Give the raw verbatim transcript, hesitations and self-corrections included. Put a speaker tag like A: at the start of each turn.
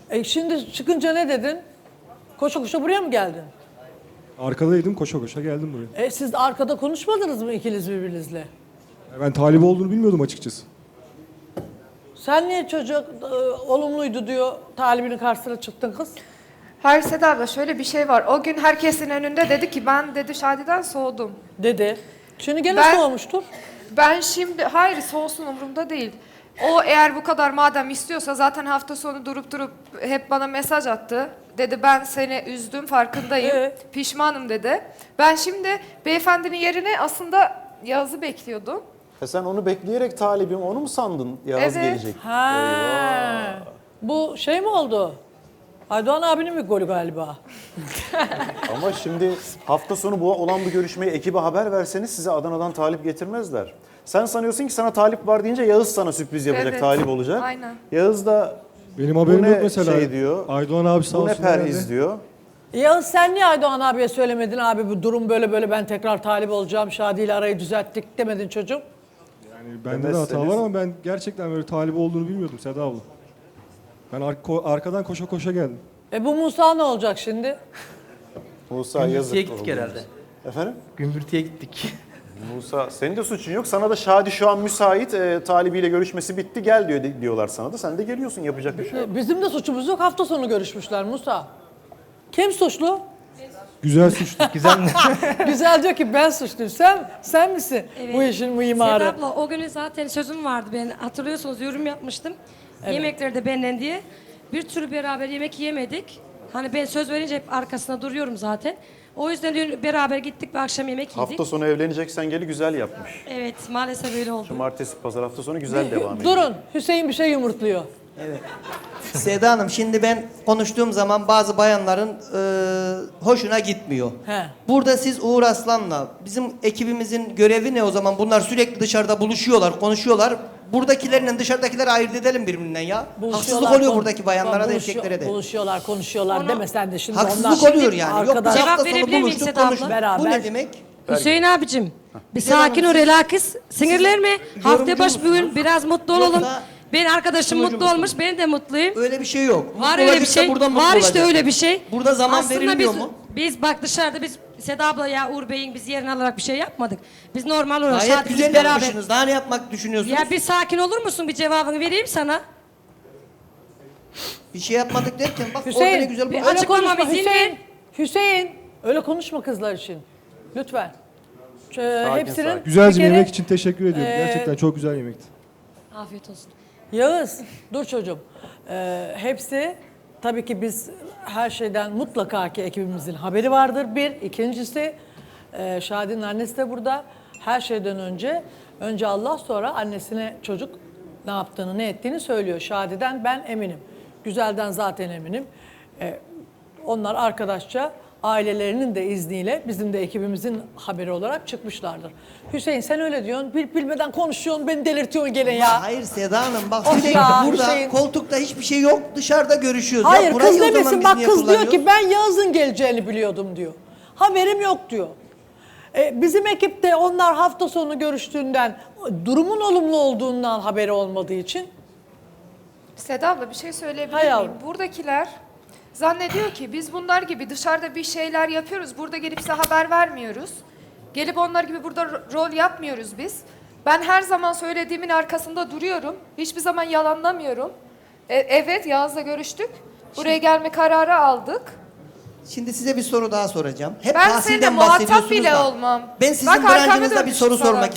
A: E şimdi çıkınca ne dedin? Koşa koşa buraya mı geldin?
B: Arkadaydım, koşa koşa geldim buraya.
A: E siz arkada konuşmadınız mı ikiniz birbirinizle?
B: Ben talip olduğunu bilmiyordum açıkçası.
A: Sen niye çocuk e, olumluydu diyor, talibinin karşısına çıktın kız?
C: Hayır Seda abla, şöyle bir şey var. O gün herkesin önünde dedi ki ben dedi Şadi'den soğudum.
A: Dedi. Şimdi gene
C: Ben-
A: soğumuştur.
C: Ben şimdi hayır soğusun umurumda değil. O eğer bu kadar madem istiyorsa zaten hafta sonu durup durup hep bana mesaj attı. Dedi ben seni üzdüm farkındayım.
A: Evet.
C: Pişmanım dedi. Ben şimdi beyefendinin yerine aslında Yağız'ı bekliyordum.
D: E sen onu bekleyerek talibim, onu mu sandın Yağız
C: Evet.
D: gelecek?
A: Ha. Bu şey mi oldu? Aydoğan abinin mi golü galiba?
D: Ama şimdi hafta sonu bu olan bu görüşmeyi ekibe haber verseniz size Adana'dan talip getirmezler. Sen sanıyorsun ki sana talip var deyince Yağız sana sürpriz yapacak,
C: Evet.
D: talip olacak.
C: Aynen.
D: Yağız da
B: Benim haberim
D: ne
B: yok mesela.
D: şey diyor,
B: Aydoğan abi sağ
D: bu ne
B: olsun.
D: perhiz
B: herhalde.
D: diyor.
A: Ya sen niye Aydoğan abiye söylemedin abi bu durum böyle böyle ben tekrar talip olacağım Şadi ile arayı düzelttik demedin çocuğum?
B: Yani bende de hata
D: Demezseniz-
B: var ama ben gerçekten böyle talip olduğunu bilmiyordum Seda abla. Ben ar- ko- arkadan koşa koşa geldim.
A: E bu Musa ne olacak şimdi?
D: Musa yazık
E: Gümbürtüye gittik
D: oldu.
E: herhalde.
D: Efendim?
E: Gümbürtüye gittik.
D: Musa senin de suçun yok. Sana da Şadi şu an müsait, e, talibiyle görüşmesi bitti gel diyor diyorlar sana da. Sen de geliyorsun, yapacak bir şey yok.
A: E, Bizim de suçumuz yok, hafta sonu görüşmüşler Musa. Kim suçlu?
B: Güzel suçlu.
E: Güzel mi?
A: Güzel diyor ki ben suçluyum. Sen sen misin
F: Evet.
A: bu işin mimarı?
F: Seda abla o günü zaten sözüm vardı ben hatırlıyorsunuz yorum yapmıştım. Yemekleri de benden diye. Bir türlü beraber yemek yemedik. Hani ben söz verince hep arkasında duruyorum zaten. O yüzden dün beraber gittik ve akşam yemek yedik.
D: Hafta sonu evleneceksen geli güzel yapmış.
F: Evet maalesef öyle oldu.
D: Cumartesi, pazar hafta sonu güzel devam ediyor.
A: Durun, Hüseyin bir şey yumurtluyor.
G: Seda Hanım şimdi ben konuştuğum zaman bazı bayanların e, hoşuna gitmiyor.
A: He.
G: Burada siz Uğur Aslan'la bizim ekibimizin görevi ne o zaman? Bunlar sürekli dışarıda buluşuyorlar, konuşuyorlar. Buradakilerle dışarıdakileri ayırt edelim birbirinden ya. Haksızlık oluyor
A: kon-
G: buradaki bayanlara da
A: buluşuyor-
G: erkeklere de.
A: Buluşuyorlar, konuşuyorlar
F: Onu-
A: deme sen de şimdi
G: Haksızlık
A: onlar.
G: oluyor yani. Yok
A: arkadaş-
G: biz
F: Cevap
G: hafta sonu
F: verebilir miyim
G: buluştuk,
F: Seda abla?
G: konuştuk.
A: Beraber.
G: Bu ne demek?
F: Hüseyin abicim bir
G: Seda Hanım,
F: sakin ol
G: siz-
F: relax. Sinirlenme. Hafta
G: yorumcu
F: baş bugün
G: musunuz?
F: biraz mutlu olalım.
G: Yoksa
F: Ben arkadaşım
G: sunucu
F: mutlu
G: musunuz?
F: olmuş ben de mutluyum.
G: Öyle bir şey yok.
F: Var
G: Mutlu
F: öyle bir
G: olacaksa
F: şey.
G: buradan mutlu
F: Var işte
G: olacak.
F: öyle bir şey.
G: Burada zaman
F: Aslında
G: verilmiyor
F: biz,
G: mu?
F: Biz bak dışarıda biz Seda abla ya Uğur Bey'in biz yerini alarak bir şey yapmadık. Biz normal olarak
G: Gayet
F: Şadi'yle
G: güzel
F: beraber.
G: yapmışsınız. Daha ne yapmak düşünüyorsunuz?
F: Ya bir sakin olur musun? Bir cevabını vereyim sana.
G: Bir şey yapmadık derken bak orada
A: Hüseyin,
G: ne güzel
F: bir
G: bu.
A: öyle
F: açıklama
A: konuşma
F: izin
A: Hüseyin.
F: ver.
A: Hüseyin, öyle konuşma kızlar için. Lütfen. Ee,
D: Sakin,
A: hepsinin
D: sakin.
B: Güzelce
A: bir kere-
B: yemek için teşekkür ediyorum.
A: Ee,
B: Gerçekten çok güzel yemekti.
F: Afiyet olsun.
A: Yağız, dur çocuğum. Ee, hepsi, tabii ki biz her şeyden mutlaka ki ekibimizin haberi vardır. Bir, ikincisi, e, Şadi'nin annesi de burada. Her şeyden önce, önce Allah sonra annesine çocuk ne yaptığını, ne ettiğini söylüyor. Şadi'den ben eminim. Güzelden zaten eminim. Ee, onlar arkadaşça ailelerinin de izniyle bizim de ekibimizin haberi olarak çıkmışlardır. Hüseyin sen öyle diyorsun, bil bilmeden konuşuyorsun, beni delirtiyorsun gene ya.
G: Hayır Seda Hanım bak
A: Of
G: sürekli
A: ya,
G: burada
A: Hüseyin.
G: koltukta hiçbir şey yok dışarıda görüşüyoruz.
A: Hayır
G: Ya burayı
A: kız
G: o zaman
A: demesin
G: biz
A: bak
G: niye
A: kız diyor ki
G: kullanıyoruz?
A: ben Yağız'ın geleceğini biliyordum diyor. Haberim yok diyor. E, bizim ekipte onlar hafta sonu görüştüğünden durumun olumlu olduğundan haberi olmadığı için
C: Seda abla bir şey söyleyebilir
A: Hay
C: miyim?
A: yavrum.
C: Buradakiler zannediyor ki biz bunlar gibi dışarıda bir şeyler yapıyoruz. Burada gelip size haber vermiyoruz. Gelip onlar gibi burada ro- rol yapmıyoruz biz. Ben her zaman söylediğimin arkasında duruyorum. Hiçbir zaman yalanlamıyorum. E, evet Yağız'la görüştük. Buraya gelme kararı aldık.
G: Şimdi size bir soru daha soracağım. Hep
C: Ben seninle
G: tahsilden
C: muhatap
G: bahsediyorsunuz
C: bile
G: da.
C: olmam.
G: Ben sizin
C: Bak arkamı
G: branşınızda bir
C: dönmüşüm
G: soru
C: sana.
G: sormak